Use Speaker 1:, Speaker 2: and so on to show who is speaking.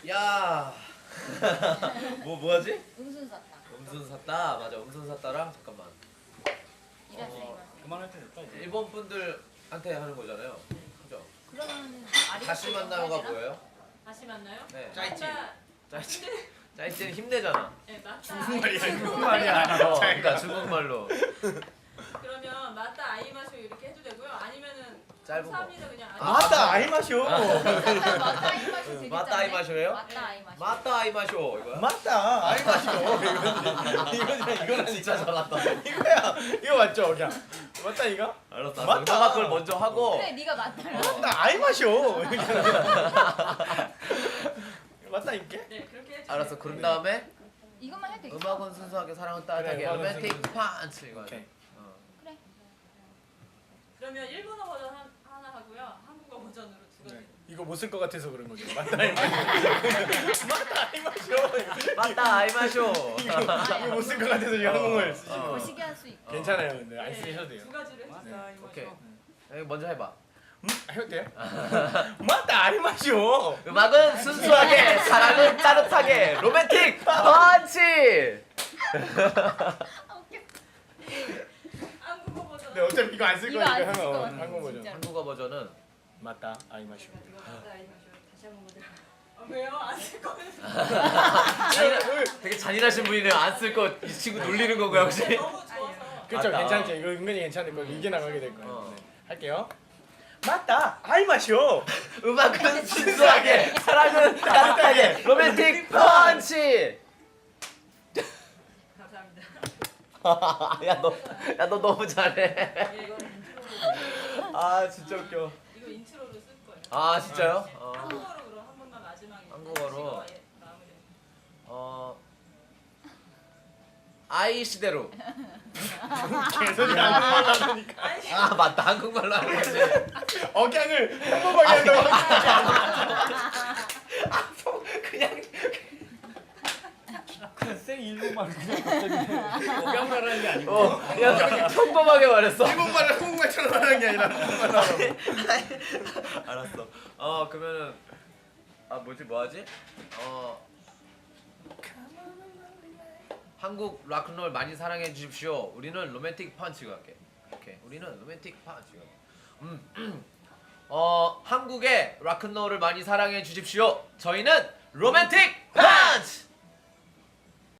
Speaker 1: 야. 뭐하지?
Speaker 2: 음순 샀다.
Speaker 1: 음순 샀다. 맞아. 음순 샀다랑 잠깐만.
Speaker 2: 이랬어요.
Speaker 3: 그만할 때 됐다 이제.
Speaker 1: 일본 분들한테 하는 거잖아요. 그죠?
Speaker 2: 그러면
Speaker 1: 다시 만나요가 뭐예요?
Speaker 4: 다시 만나요?
Speaker 1: 네.
Speaker 3: 짜이치.
Speaker 1: 짜이치. 짜이치는 힘내잖아.
Speaker 4: 네, 맞다.
Speaker 3: 중국말이야,
Speaker 4: 아이마쇼.
Speaker 3: 중국말이야.
Speaker 1: 그러니까 중국말로.
Speaker 4: 그러면 맞다 아이마쇼 이렇게 해도 되고요. 아니면은
Speaker 1: 짧은 거.
Speaker 4: 감사합니다 그냥.
Speaker 3: 맞다 아이 마쇼.
Speaker 2: 맞다 아이마쇼 되게
Speaker 1: 맞다 아이마쇼예요?
Speaker 2: 맞다 아이마쇼.
Speaker 1: 맞다 아이마쇼 이거야?
Speaker 3: 맞다 아이 마쇼. 이거는
Speaker 1: 진짜 잘한다.
Speaker 3: 이거야. 이거 맞죠 그냥. 맞다 이거?
Speaker 1: 알았어.
Speaker 3: 맞다.
Speaker 1: 너가 그걸 먼저 하고.
Speaker 2: 그래 네가 맞다라.
Speaker 3: 맞다 아이 마쇼. 맞다 이게?
Speaker 4: 네 그렇게 해주세요.
Speaker 1: 알았어. 그런 다음에
Speaker 2: 이것만 해도 되겠어.
Speaker 1: 음악은 순수하게 사랑은 따뜻하게
Speaker 3: 그래, 음악은
Speaker 1: 로맨틱
Speaker 3: 순수.
Speaker 1: 펀치 이거.
Speaker 3: 오케이.
Speaker 2: 그래.
Speaker 4: 그러면 일본어 버전 하나 하고요. 한국어 버전으로 두 가지.
Speaker 3: 네. 이거 못 쓸 것 같아서 그런 거죠. 맞다 아이 마쇼. 맞다 아이 마쇼.
Speaker 1: 맞다 아이마쇼.
Speaker 3: 이거 못 쓸 것 같아서 지금 한국말 쓰시는 거.
Speaker 2: 거시기 할 수 있고.
Speaker 3: 괜찮아요 근데 안
Speaker 4: 네,
Speaker 3: 쓰셔도 돼요.
Speaker 4: 두 가지로 해주세요.
Speaker 3: 네.
Speaker 4: 아이마쇼.
Speaker 1: 오케이. 여기 먼저 해봐.
Speaker 3: 해도 돼요? 맞다 아이 마쇼.
Speaker 1: 음악은 순수하게 사랑은 따뜻하게 로맨틱 펀치.
Speaker 2: 아 웃겨.
Speaker 4: 한국어 버전.
Speaker 3: 네 어차피 이거 안 쓸
Speaker 2: 이거 안
Speaker 3: 거니까
Speaker 2: 쓸것
Speaker 3: 하면
Speaker 2: 같아,
Speaker 3: 한국 버전.
Speaker 2: 진짜.
Speaker 1: 한국어 버전은
Speaker 3: 맞다 아이 마쇼.
Speaker 4: 이거 맞다 아이마쇼. 다시 한번 보자. 왜요? 안 쓸 거면.
Speaker 1: 되게 잔인하신 분이네요. 안 쓸 거 이 친구 놀리는 건가요 혹시?
Speaker 4: 너무 좋아서.
Speaker 3: 그렇죠
Speaker 1: 맞다.
Speaker 3: 괜찮죠 이거 은근히 괜찮을 거예요 이게 나가게 될 거예요.
Speaker 1: 어.
Speaker 3: 네. 할게요. 맞다 아이 마쇼.
Speaker 1: 음악은 순수하게 사랑은 따뜻하게 로맨틱 펀치.
Speaker 4: 감사합니다.
Speaker 1: 야 너 너무 잘해.
Speaker 4: 예, 이거는 인트로로.
Speaker 1: 아 진짜 웃겨.
Speaker 4: 이거 인트로로 쓸 거예요.
Speaker 1: 아 진짜요?
Speaker 4: 한국어로 그럼 한 번만 마지막에.
Speaker 1: 한국어로.
Speaker 4: 하시고, 예, 마무리.
Speaker 1: 아이 시대로.
Speaker 3: 개소리 한국말로 하니까
Speaker 4: 아니,
Speaker 1: 아 맞다 한국말로 하는 거지.
Speaker 3: 억양을 평범하게 한다고
Speaker 1: 그냥
Speaker 5: 그냥 생 일본말 그냥 갑자기 억양말 하는 게 아니고
Speaker 1: 그냥 평범하게 말했어.
Speaker 3: 일본말을 한국말처럼 하는 게 아니라 한국말로 하라고.
Speaker 1: 알았어. 그러면은 뭐 하지? 한국 락큰롤 많이 사랑해 주십시오. 우리는 로맨틱 펀치 갈게. 오케이. 우리는 로맨틱 펀치 갈게. 한국의 락큰롤을 많이 사랑해 주십시오. 저희는 로맨틱 펀치.